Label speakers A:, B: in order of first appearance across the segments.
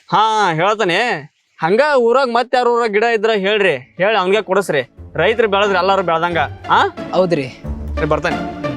A: ಹಾ ಹೇಳ್ತಾನೆ. ಹಂಗ ಊರಾಗ ಮತ್ತೆ ಯಾರ ಊರಾಗ ಗಿಡ ಇದ್ರ ಹೇಳ್ರಿ, ಹೇಳಿ ಅವ್ನಿಗೆ ಕೊಡಸ್ರಿ. ರೈತರು ಬೆಳೆದ್ರಿ ಎಲ್ಲಾರು ಬೆಳ್ದಂಗ. ಹಾ
B: ಹೌದ್ರಿ.
A: ಬರ್ತಾನೆ.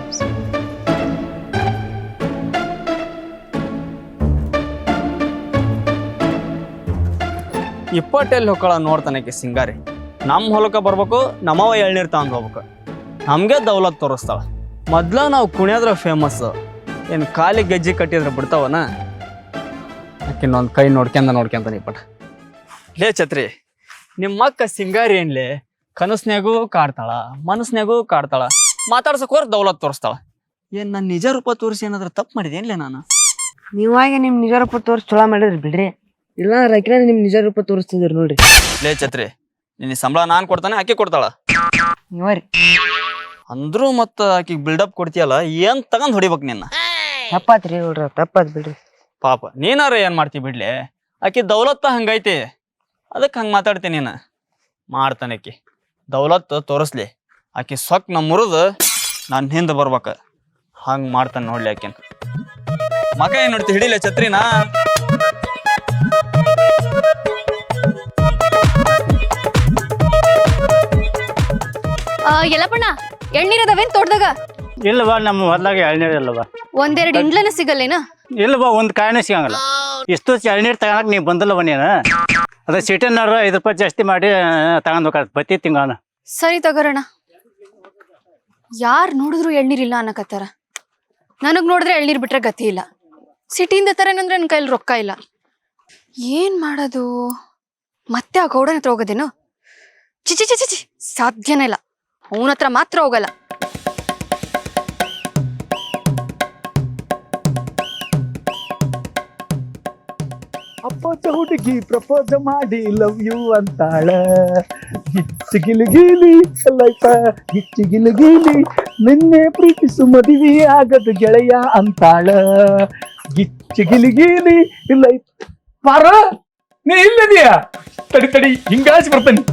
A: ಇಪ್ಪಟ್ಟೆಲ್ಲಿ ಹೊಕ್ಕಳ ನೋಡ್ತಾನಕ್ಕೆ ಸಿಂಗಾರಿ. ನಮ್ಮ ಹೊಲಕ್ಕೆ ಬರ್ಬೇಕು, ನಮ್ಮವ ಎಳ್ನೀರು ತಗೊಂಡು ಹೋಗ್ಬೇಕು. ನಮಗೆ ದೌಲತ್ ತೋರಿಸ್ತಾಳ. ಮೊದ್ಲ ನಾವು ಕುಣಿಯೋದ್ರ ಫೇಮಸ್. ಏನು ಕಾಲಿಗೆ ಗೆಜ್ಜೆ ಕಟ್ಟಿದ್ರೆ ಬಿಡ್ತಾವನ? ಆಕಿನ್ನೊಂದು ಕೈ ನೋಡ್ಕೊಂತಾನೆ ಇಪ್ಪಟ. ಲೇ ಛತ್ರಿ, ನಿಮ್ಮ ಅಕ್ಕ ಸಿಂಗಾರಿ ಏನ್ಲೇ ಕನಸ್ನ್ಯಾಗೂ ಕಾಡ್ತಾಳ, ಮನಸ್ನ್ಯಾಗೂ ಕಾಡ್ತಾಳ, ಮಾತಾಡ್ಸಕ್ ಹೋರ್ ದೌಲತ್ ತೋರಿಸ್ತಾಳ. ಏನ್ ನನ್ನ ನಿಜ ರೂಪ ತೋರಿಸಿ ಏನಾದ್ರು ತಪ್ಪು ಮಾಡಿದೇನ್ಲೇ ನಾನು?
B: ನೀವಾಗ ನಿಮ್ ನಿಜ ರೂಪ ತೋರಿಸಿ ಚೊಲೋ ಮಾಡಿದ್ರಿ ಬಿಡ್ರಿ. ಇಲ್ಲ ರೈತರ ನಿಮ್ ನಿಜ ರೂಪ ತೋರಿಸ್ತಿದ್ರಿ ನೋಡ್ರಿ.
A: ಲೇ ಛತ್ರಿ, ನಿನ್ನ ಸಂಬಳ ನಾನು ಕೊಡ್ತಾನೆ, ಆಕಿ ಕೊಡ್ತಾಳ?
B: ನೀವ್ರಿ
A: ಅಂದ್ರೂ ಮತ್ತ ಆಕಿಗೆ ಬಿಲ್ಡಪ್ ಕೊಡ್ತೀಯಲ್ಲ, ಏನ್ ತಗೊಂಡ್ ಹೊಡಿಬೇಕು ನಿನ್ನ?
B: ತಪ್ಪಾತ್ರಿ ನೋಡ್ರಿ, ತಪ್ಪಾತ್ ಬಿಡ್ರಿ.
A: ಪಾಪ ನೀನಾರ ಏನ್ ಮಾಡ್ತಿ ಬಿಡ್ಲಿ. ಆಕಿ ದೌಲತ್ತ ಹಂಗೈತಿ, ಅದಕ್ಕೆ ಹಂಗೆ ಮಾತಾಡ್ತೀನಿ. ನೀನು ಮಾಡ್ತಾನೆ ಆಕಿ ದೌಲತ್ ತೋರಿಸ್ಲಿ. ಆಕಿ ಸೊಕ್ ನಮ್ಮ ಮುರಿದು ನಾನು ಹಿಂದೆ ಬರ್ಬೇಕ. ಹಂಗೆ ಮಾಡ್ತಾನೆ ನೋಡ್ಲಿ ಆಕಿನ. ಮಗ ಏನ್ ನೋಡ್ತಿ, ಹಿಡಿಲೆ ಛತ್ರಿನ.
C: ಎಲ್ಲಪ್ಪಣ್ಣ ಎಳ್ನೀರದವೇನ್ ತೋಟದಾಗ?
D: ಇಲ್ಲವಾ, ನಮ್ಮ ಹೊಲ್ದಾಗ ಎಳ್ನೀರು ಇಲ್ಲವಾ.
C: ಒಂದೆರಡು ಇಂಡ್ಲನ ಸಿಗಲ್ಲೇನ?
D: ಇಲ್ಲವಾ, ಒಂದು ಕಾಯಿನ ಸಿಗಂಗಿಲ್ಲ. ಇಷ್ಟು ಎಳ್ನೀರು ತಗೊಳಕ್ ನೀವು ಬಂದಿಲ್ಲವ ನೀನು. ಅದ ಸಿಟಿನಾರು 5 ರೂಪಾಯಿ ಜಾಸ್ತಿ ಮಾಡಿ ತಗೊಂಡ್ ಹೋಗ್ತಾರೆ ಪ್ರತಿ ತಿಂಗಳ.
C: ಸರಿ ತಗೋರಣ. ಯಾರು ನೋಡಿದ್ರು ಎಳ್ನೀರಿಲ್ಲ ಅನ್ನಕತ್ತಾರ. ನನಗ್ ನೋಡಿದ್ರೆ ಎಳ್ನೀರ್ ಬಿಟ್ರೆ ಗತಿ ಇಲ್ಲ. ಸಿಟಿಯಿಂದ ತರೇನಂದ್ರೆ ನನ್ನ ಕೈಲಿ ರೊಕ್ಕ ಇಲ್ಲ. ಏನ್ ಮಾಡೋದು? ಮತ್ತೆ ಆ ಗೌಡನ ಹತ್ರ ಹೋಗೋದೇನು? ಚಿಚಿ ಚಿಚಿ ಚಿ ಸಾಧ್ಯನೇ ಇಲ್ಲ. ಅವನ ಹತ್ರ ಮಾತ್ರ ಹೋಗಲ್ಲ.
E: ಅಪ್ಪ ಹುಡುಗಿ ಪ್ರಪೋಸ್ ಮಾಡಿ ಲವ್ ಯು ಅಂತಾಳ. ಗಿಚ್ಚಿ ಲೈಫ ಗಿಚ್ಚಿ ನಿನ್ನೆ ಪ್ರೀತಿಸು ಮದುವೆ ಆಗದು ಗೆಳೆಯ ಅಂತಾಳ. ಗಿಚ್ಚಿ ಲೈಫ್. ಪಾರ ನೀ ಇಲ್ಲದಿಯಾ? ತಡಿ ಹಿಂಗಾಸಿ ಬರ್ತಾನೆ.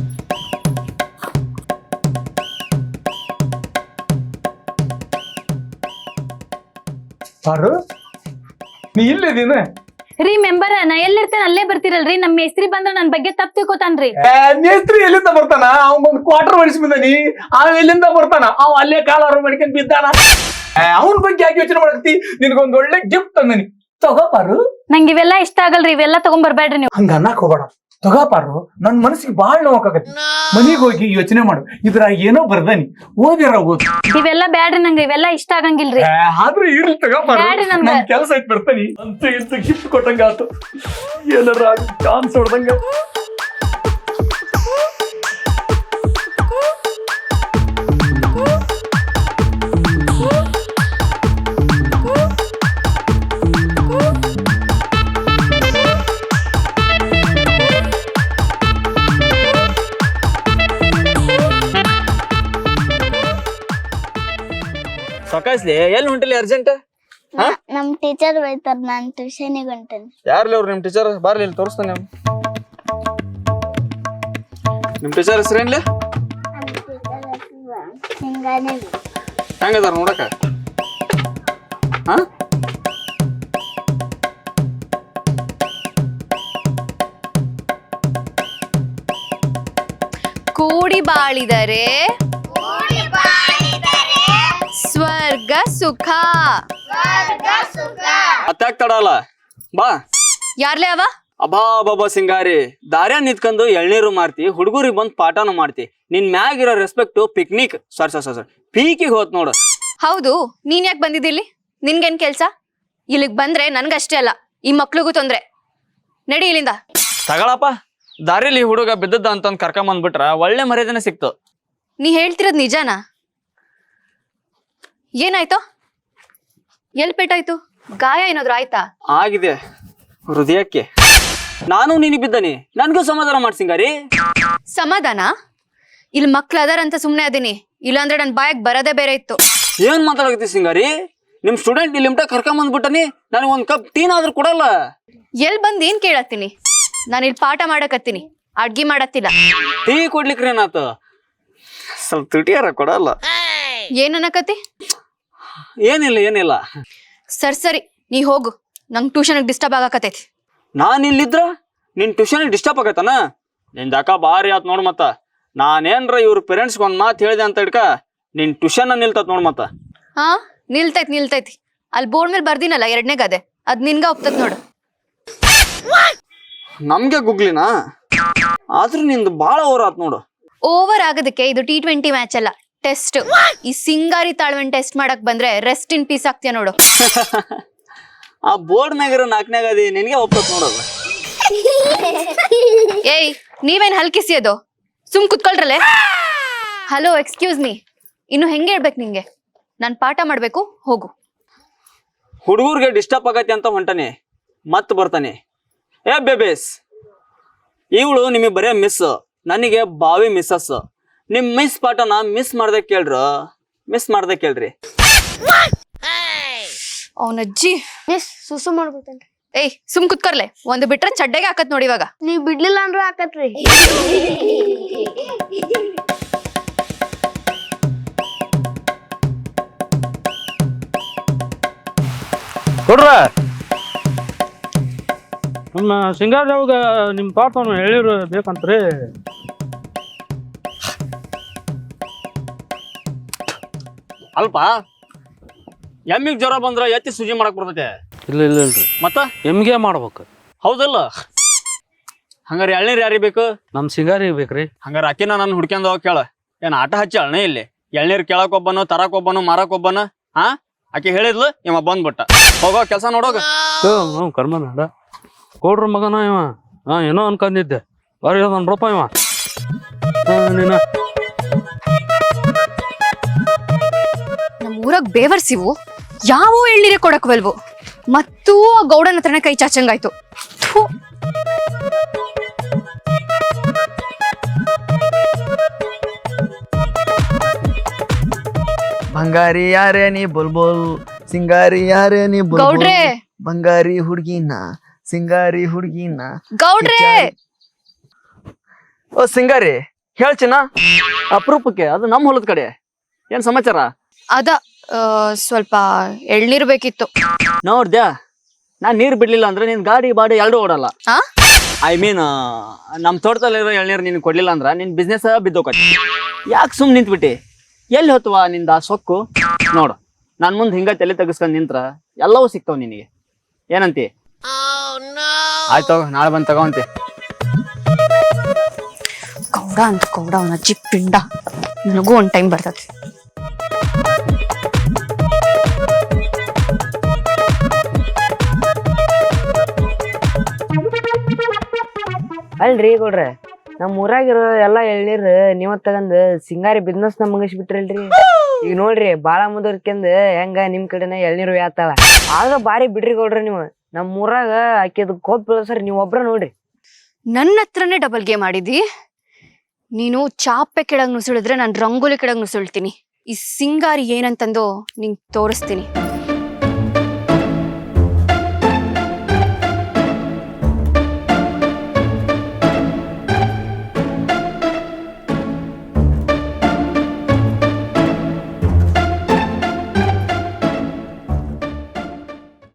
E: ಪಾರು ನೀ ಇಲ್ಲದಿನ?
F: ರೀ ಮೆಂಬರ್, ನಾ ಎಲ್ಲಿರ್ತೇನೆ ಅಲ್ಲೇ ಬರ್ತೀರಲ್ರಿ. ನಮ್ಮ ಮೇಸ್ತ್ರಿ ಬಂದ್ರ ನನ್ ಬಗ್ಗೆ ತಪ್ಪು ತಿಳ್ಕೊತಾನ್ರಿ.
E: ಮೇಸ್ತ್ರಿ ಎಲ್ಲಿಂದ ಬರ್ತಾನ? ಅವ್ನ್ ಬಂದ್ ಕ್ವಾರ್ಟರ್ ಹೊಡಿಸಿ ಬಂದಾನಿ. ಅವ ಎಲ್ಲಿಂದ ಬರ್ತಾನ? ಅವ್ ಅಲ್ಲೇ ಕಾಲಾರ ಮಾಡ್ಕೊಂಡ್ ಬಿದ್ದಾನ. ಅವನ್ ಬಗ್ಗೆ ಯಾಕೆ ಯೋಚನೆ ಮಾಡಕ್ತಿ? ನಿನ್ಗೊಂದ್ ಒಳ್ಳೆ ಗಿಫ್ಟ್ ತಂದನಿ, ತಗೋಪಾರು.
F: ನಂಗೆ ಇವೆಲ್ಲ ಇಷ್ಟ ಆಗಲ್ರಿ, ಇವೆಲ್ಲ ತಗೊಂಡ್ ಬರ್ಬೇಡ್ರಿ ನೀವು.
E: ಹಂಗ ಅನ್ನಕ್ ಹೋಗ್ಬೇಡ, ತಗೋಪಾರು. ನನ್ ಮನಸ್ಸಿಗೆ ಬಾಳ್ ನೋವಾಗತಿ. ಮನಿಗ್ ಹೋಗಿ ಯೋಚನೆ ಮಾಡು, ಇದ್ರಾಗ ಏನೋ ಬರ್ದಾನಿ, ಓದಿರ ಓದ್.
F: ಇವೆಲ್ಲ ಬ್ಯಾಡ್ರಿ, ನಂಗೆ ಇವೆಲ್ಲ ಇಷ್ಟ ಆಗಂಗಿಲ್ರಿ.
E: ಆದ್ರೆ ಇರ್ಲಿ ತಗೋಪಾರು,
F: ಬ್ಯಾಡ್ರಿ ನನ್ಗ.
E: ನನ್ ಕೆಲಸ ಐತ್ ಬರ್ತಾನಿ. ಅಂತ ಇಂತ ಗಿಫ್ಟ್ ಕೊಟ್ಟಂಗ ಆತು, ಏನಾರ ಚಾನ್ಸ್ ಹೊಡ್ದಂಗ.
A: ಸೊಕಾಸ್ಲಿ ಎಲ್ಲಿ ಹೊಂಟಿಲ್ಲ ಅರ್ಜೆಂಟ್?
G: ನಮ್ ಟೀಚರ್ ಬೈತಾರ, ನಾನ್ ಟ್ಯೂಷನಿಗೆ ಹೊಂಟೇನಿ.
A: ಯಾರ್ಲಿ ಅವ್ರು ನಿಮ್ ಟೀಚರ್? ಬರ್ಲಿ ಇಲ್ಲಿ ತೋರಿಸ್ತಾನೆ. ನಿಮ್ ಟೀಚರ್ ಹೆಸರೇನ್ಲಿ?
G: ಹಿಂಗಾನೆ
A: ಹೆಂಗದಾರ ನೋಡಕ? ಹಾ
C: ಕೂಡಿ ಬಾಳಿದರೆ ಸ್ವರ್ಗ ಸುಖ.
A: ಅತ್ತಾಕ್ ತಡಲ್ಲ, ಬಾ.
C: ಯಾರ್ಲೇ ಅವ?
A: ಅಬಾ ಬಾಬಾ ಸಿಂಗಾರಿ, ದಾರ್ಯಾಗ ನಿಂತ್ಕೊಂಡು ಎಳ್ನೀರು ಮಾರ್ತಿ, ಹುಡುಗರಿಗೆ ಬಂದ್ ಪಾಠನೂ ಮಾಡ್ತಿ. ನಿನ್ ಮ್ಯಾಗಿರೋ ರೆಸ್ಪೆಕ್ಟ್ ಪಿಕ್ನಿಕ್ ಸರ್ ಪೀಕಿಗೆ ಹೋತ್ ನೋಡು.
C: ಹೌದು, ನೀನ್ ಯಾಕೆ ಬಂದಿದ್ದಿಲ್ಲಿ? ನಿನ್ಗೇನ್ ಕೆಲ್ಸ? ಇಲ್ಲಿಗ್ ಬಂದ್ರೆ ನನ್ಗಷ್ಟೇ ಅಲ್ಲ, ಈ ಮಕ್ಳಿಗೂ ತೊಂದ್ರೆ. ನಡಿ ಇಲ್ಲಿಂದ.
A: ತಗಳಪ್ಪ, ದಾರಿಲಿ ಹುಡುಗ ಬಿದ್ದದ್ದ ಅಂತಂದ್ ಕರ್ಕೊಂಬಂದ್ಬಿಟ್ರ ಒಳ್ಳೆ ಮರ್ಯಾದೆನೆ ಸಿಕ್ತು.
C: ನೀ ಹೇಳ್ತಿರೋದ್ ನಿಜಾನಾ? ಏನಾಯ್ತು? ಎಲ್ ಪೇಟಾಯ್ತು? ಗಾಯ ಏನಾದ್ರು ಆಯ್ತಾ?
A: ಆಗಿದೆ ಹೃದಯಕ್ಕೆ. ನಾನು ನೀನು ಬಿದ್ದನಿ, ನನ್ಗೂ ಸಮಾಧಾನ ಮಾಡ್ಸಿಂಗಾರಿ.
C: ಸಮಾಧಾನ? ಇಲ್ಲಿ ಮಕ್ಳು ಅದಾರಂತ ಸುಮ್ನೆ ಅದೀನಿ, ಇಲ್ಲಾಂದ್ರೆ ನನ್ ಬಾಯಕ್ ಬರದೇ ಬೇರೆ ಇತ್ತು.
A: ಏನ್ ಮಾತಾಡಕತ್ತಿ ಸಿಂಗಾರಿ? ನಿಮ್ ಸ್ಟೂಡೆಂಟ್ ಇಲ್ಲಿ ಕರ್ಕೊಂಬಂದ್ಬಿಟ್ಟನಿ, ನನಗೆ ಒಂದ್ ಕಪ್ ಟೀನ್ ಆದ್ರೂ ಕೊಡಲ್ಲ.
C: ಎಲ್ ಬಂದ್ ಏನ್ ಕೇಳತ್ತೀನಿ? ನಾನು ಇಲ್ಲಿ ಪಾಠ ಮಾಡಕತ್ತೀನಿ, ಅಡ್ಗಿ ಮಾಡತ್ತಿಲ್ಲ.
A: ಟೀ ಕೊಡ್ಲಿಕ್ರಿ ಏನಾತು? ಸ್ವಲ್ಪ ತುಟಿಯಾರ ಕೊಡಲ್ಲ.
C: ಏನನ್ನಕತಿ?
A: ಏನಿಲ್ಲ.
C: ಸರಿ ನೀ ಹೋಗು, ನಂಗ್ ಟ್ಯೂಷನ್ ಡಿಸ್ಟರ್ಬ್ ಆಗಕತ್ತೈತಿ.
A: ನಾನ್ ಇಲ್ಲಿದ್ರ ನಿನ್ ಟ್ಯೂಷನ್ ಡಿಸ್ಟರ್ಬ್ ಆಗೈತನ ನಿನ್ ಯಾಕ ಭಾರಿ ಆತ್ ನೋಡ್ ಮತ್ತ ನಾನೇನ್ರ ಇವ್ರ ಪೇರೆಂಟ್ಸ್ಗೆ ಒಂದ್ ಮಾತು ಹೇಳಿದೆ ಅಂತ ಹಿಡ್ಕ ನಿನ್ ಟ್ಯೂಷನ್ ನಿಲ್ತತ್ ನೋಡ್ ಮತ್ತ
C: ಹಾ ನಿಲ್ತೈತಿ ಅಲ್ಲಿ ಬೋರ್ಡ್ ಮೇಲೆ ಬರ್ದಿನಲ್ಲ 2ನೇ ಗಾದೆ ಅದ್ ನಿನ್ಗ ಹೋಗ್ತತ್ ನೋಡು.
A: ನಮ್ಗೆ ಗುಗ್ಲಿನಾ ಆದ್ರೂ ನಿಂದು ಬಾಳ ಓವರ್ ಆತ್ ನೋಡು.
C: ಓವರ್ ಆಗೋದಕ್ಕೆ ಇದು T20 ಮ್ಯಾಚ್ ಅಲ್ಲ, ಟೆಸ್ಟ್. ಈ ಸಿಂಗಾರಿ ತಾಳ್ವೆನ್ ಟೆಸ್ಟ್ ಮಾಡಕ್ ಬಂದ್ರೆ ರೆಸ್ಟ್ ಇನ್ ಪೀಸ್ ಆಗ್ತೀಯ ನೋಡು.
A: ಆ ಬೋರ್ಡ್ ಮ್ಯಾಗಿರೋ 4ನೇ ಗಾದಿ ನಿನ್ಗೆ ಒಪ್ಪತ್ ನೋಡಲ್ಲ.
C: ಏಯ್ ನೀವೇನ್ ಹಲ್ಕಿಸಿಯೋದು, ಸುಮ್ ಕುತ್ಕೊಳ್ರಲ್ಲೇ. ಹಲೋ ಎಕ್ಸ್ಕ್ಯೂಸ್ ಮೀ, ಇನ್ನು ಹೆಂಗೆ ಹೇಳ್ಬೇಕು ನಿಂಗೆ? ನಾನ್ ಪಾಠ ಮಾಡ್ಬೇಕು, ಹೋಗು.
A: ಹುಡುಗರ್ಗೆ ಡಿಸ್ಟರ್ಬ್ ಆಗತ್ತೆ ಅಂತ ಹೊಂಟಾನೆ ಮತ್ ಬರ್ತಾನೆ. ಏ ಬೇಬೇಸ್, ಇವಳು ನಿಮಗೆ ಬರೇ ಮಿಸ್, ನನಗೆ ಬಾವಿ ಮಿಸ್ಸಸ್. ನಿಮ್ ಮಿಸ್ ಪಾಠನ ಮಿಸ್ ಮಾಡ್ದೆ ಕೇಳ್ರಿ.
C: ಅವನಜ್ಜಿ
G: ಮಿಸ್ ಸುಸು ಮಾಡ್ಬಿಟ್ಟೇನ್ರಿ.
C: ಏಯ್ ಸುಮ್ ಕುತ್ಕರ್ಲೆ, ಒಂದು ಬಿಟ್ರೆ ಚಡ್ಡೆಗೆ ಹಾಕತ್ ನೋಡಿ ಇವಾಗ.
G: ನೀವ್ ಬಿಡ್ಲಿಲ್ಲ ಅಂದ್ರೂ ಹಾಕತ್ರಿ.
H: ಕೊಡ್ರ ನಮ್ಮ ಸಿಂಗಾರದಾಗ ನಿಮ್ಮ ಪಾಠ ಹೇಳಿರು ಬೇಕಂತ್ರಿ.
A: ಅಲ್ಪ ಎಮ್ಮಿಗ್ ಜ್ವರ ಬಂದ್ರ ಎತ್ತಿ ಸುಜಿ ಮಾಡಕ್ ಬರ್ತೈತೆ.
H: ಇಲ್ಲ ಇಲ್ರಿ,
A: ಮತ್ತ
H: ಎಮ್ಗೆ ಮಾಡ್ಬೇಕು.
A: ಹೌದಲ್ಲ? ಹಂಗಾರ ಎಳ್ನೀರ್ ಯಾರಿಗೆ ಬೇಕು?
H: ನಮ್ಮ ಸಿಂಗಾರಿಗೆ ಬೇಕ್ರಿ.
A: ಹಂಗಾರ ಅಕ್ಕಿನ ನಾನು ಹುಡ್ಕ್ಯಂದ ಹೋಗಿ ಕೇಳ. ಏನ್ ಆಟ ಹಚ್ಚಿ ಅಳ್ನೇ ಇಲ್ಲಿ? ಎಳ್ನೀರ್ ಕೇಳಕ್ ಒಬ್ಬನು, ತರಕ್ ಒಬ್ಬನು, ಮಾರಕ್ ಒಬ್ಬನು. ಹಾ ಆಕಿ ಹೇಳಿದ್ಲು, ಇವ ಬಂದ್ಬಿಟ್ಟ. ಹೋಗೋ ಕೆಲಸ ನೋಡೋಗ.
H: ಹ್ಞೂ ಕರ್ಮ ನಾಡ ಕೊಡ್ರ ಮಗನ ಇವ. ಏನೋ ಅನ್ಕೊಂಡಿದ್ದೆ, ಬಾರಿ ಅದನ್ ರೂಪ ಇವ. ನೀನ
C: ನಮ್ ಊರಾಗ ಬೇವರ್ಸಿವು ಯಾವ ಎಳ್ನೀರೇ ಕೊಡಕ್ವಲ್ವು, ಮತ್ತೂ ಆ ಗೌಡನ ಹತ್ರನೇ ಕೈ ಚಾಚಂಗಾಯ್ತು. ಥು.
B: ಬಂಗಾರಿ ಯಾರೇ ನೀ ಬುಲ್ಬುಲ್, ಸಿಂಗಾರಿ ಯಾರೇ ನೀ ಬುಲ್ಬುಲ್,
C: ಗೌಡ್ರೆ
B: ಬಂಗಾರಿ ಹುಡ್ಗಿನ ಸಿಂಗಾರಿ ಹುಡ್ಗಿನ.
C: ಗೌಡ್ರೆ
A: ಓ ಸಿಂಗಾರಿ, ಹೇಳ್ಚಿನ ಅಪರೂಪಕ್ಕೆ ಅದು ನಮ್ಮ ಹೊಲದ ಕಡೆ. ಏನ್ ಸಮಾಚಾರ?
C: ಅದ ಸ್ವಲ್ಪ ಎಳ್ನೀರು ಬೇಕಿತ್ತು.
A: ನೋಡ್ದ್ಯಾ, ನಾನ್ ನೀರ್ ಬಿಡ್ಲಿಲ್ಲ ಅಂದ್ರೆ ನಿನ್ ಗಾಡಿ ಬಾಡಿ ಎರಡು ಓಡಲ್ಲ.
C: ಆ?
A: ಐ ಮೀನ್ ನಮ್ ತೋಟದಲ್ಲಿರೋ ಎಳ್ನೀರು ನಿನ್ ಕೊಡ್ಲಿಲ್ಲ ಅಂದ್ರ ನಿನ್ ಬಿಸ್ನೆಸ್ ಬಿದ್ದೋಕತಿ. ಯಾಕೆ ಸುಮ್ ನಿಂತ್ಬಿಟ್ಟಿ? ಎಲ್ಲಿ ಹೊತ್ತವಾ ನಿಂದ ಆ ಸೊಕ್ಕು? ನೋಡು, ನಾನ್ ಮುಂದ್ ಹಿಂಗ ತಲೆ ತೆಗಿಸ್ಕೊಂಡ್ ನಿಂತ್ರ ಎಲ್ಲವೂ ಸಿಗ್ತಾವ ನಿನಗೆ. ಏನಂತಿ? ಆಯ್ತು, ನಾಳೆ ಬಂದ್ ತಗೋಂತಿ.
C: ಗೌಡ ಅಂತ ಗೌಡ, ಅವನ ಅಜ್ಜಿ ಪಿಂಡ. ನನಗೂ ಒಂದ್ ಟೈಮ್ ಬರ್ತದೆ.
B: ಅಲ್ರಿ ಗೌಡ್ರೆ, ನಮ್ಮ ಊರಾಗಿರೋ ಎಲ್ಲಾ ಎಳ್ನೀರ್ ನೀವ ತಗಂದ್ ಸಿಂಗಾರಿ ಬಿಸ್ನೆಸ್ ನ ಮುಗಿಸ್ಬಿಟ್ರಲ್ರಿ. ಈಗ ನೋಡ್ರಿ ಬಾಳ ಮುಂದುವರ್ಕೆಂದ್ ಹೆಂಗ ನಿಮ್ ಕಡೆನ ಎಳ್ನೀರು ಯಾತಾಳ. ಆಗ ಬಾರಿ ಬಿಡ್ರಿ ಗೌಡ್ರೆ ನೀವು. ನಮ್ ಊರಾಗ ಆಕಿದ್ ಕೋಪ್ ಬೆಳಸರಿ ನೀವ್ ಒಬ್ರ ನೋಡ್ರಿ.
C: ನನ್ನ ಹತ್ರನೇ ಡಬಲ್ ಗೇಮ್ ಆಡಿದಿ ನೀನು. ಚಾಪೆ ಕೆಳಗ್ ನುಸುಳಿದ್ರೆ ನಾನು ರಂಗೋಲಿ ಕೆಳಗ್ ನುಸುಳ್ತೀನಿ. ಈ ಸಿಂಗಾರಿ ಏನಂತಂದು ನಿಂಗ್ ತೋರಿಸ್ತೀನಿ.